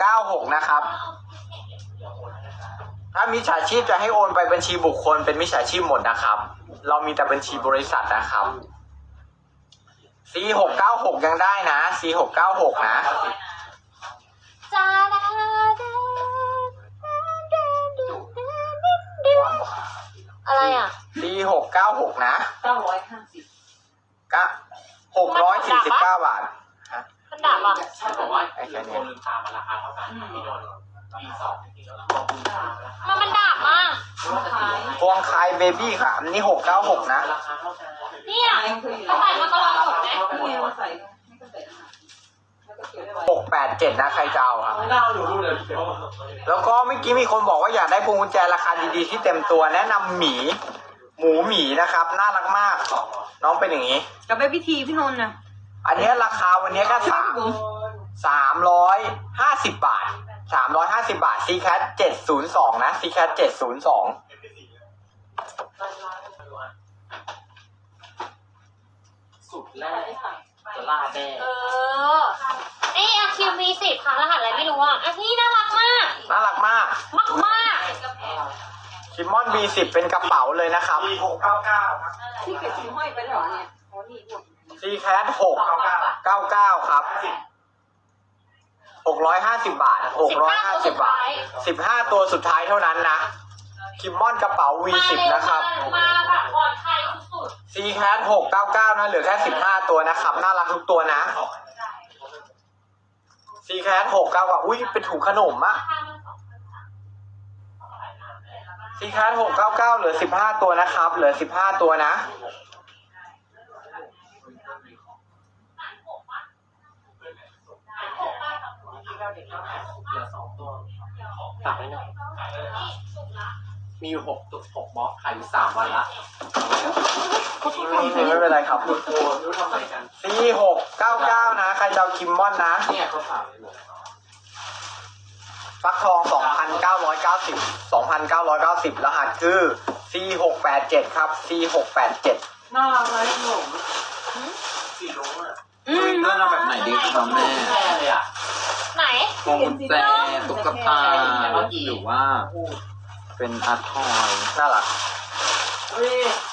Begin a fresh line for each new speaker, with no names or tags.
4696นะครับถ้ามิจฉาชีพจะให้โอนไปบัญชีบุคคลเป็นมิจฉาชีพหมดนะครับเรามีแต่บัญชีบริษัทนะครับ4696ยังได้นะ4696นะ
จ้าอะไรอ่ะ
4696นะ
950
ก็649 บาท
มันดับอ่ะ
ใช่บอกว่าโดนลืมตามาราคาเท่ากันที่โดนปี2จริงๆแล้วก็ลืมตา
มันดับอ่ะ
พวงคายเบบี้ค่ะอันนี้696นะ
ราคาเท่ากัน
เนี่ยเขาใส่มาตลอดหมดไหม
687นะใครจะเอาครับ
เล่าหนูรู้เลย
แล้วก็เมื่อกี้มีคนบอกว่าอยากได้พวงกุญแจราคาดีๆที่เต็มตัวแนะนำหมูหมีนะครับน่ารักมากน้องเป็นอย่างนี้
กับเบบี้ทีพี่นนท์นะ
อันนี้ราคาวันนี้ก็350 บาท350 บาท CCAT 702นะ CCAT 702
สุดแรกจะลาแม่
นี่อาคิวมี10ค่ะรหัสอะไรไม่รู้อ่ะอันนี้น่ารักมาก
น่ารักมาก
มาก
คิมมอน B10 เป็นกระเป๋าเลยนะครับ
ที่เกิดชิ้นห้อยไปแล้วเนี่ยอ๋อนี่หมด
CCAT 699ครับ650 บาท650 บาท15ตัวสุดท้ายเท่านั้นนะคิมมอนกระเป๋า V10 นะครับ
มาแบบปลอดภัยสุด
CCAT 699นะเหลือแค่15ตัวนะครับน่ารักทุกตัวนะ CCAT 699อุ้ยเป็นถุงขนมอะCCAT 699เหลือ15ตัวนะครับเหลือ15ตัวนะ
เหลือ2ตัวฝากไว้หน่อยมีอยู่6บล็อกขายอยู่3วันละ
ไม่เป็นไรครับ
โอ้รู้ทำไมกัน
C699นะใครจะเอาคิมมอนนะ
เนี่ยเขาฝากเลย
ฟักทอง 2,990 รหัสคือ C687 ครับ C687
น่ารักเลยหนุ่มสีรุ้งอ่ะ
เรื่องเอาแบบไหนดีครับแม่
แม่เลยอ่ะ
ๆไหน
พวงกุญแจตุ๊กตาหรือว่าเป็นอาร์ตทอย
น่ารัก
เฮ้ย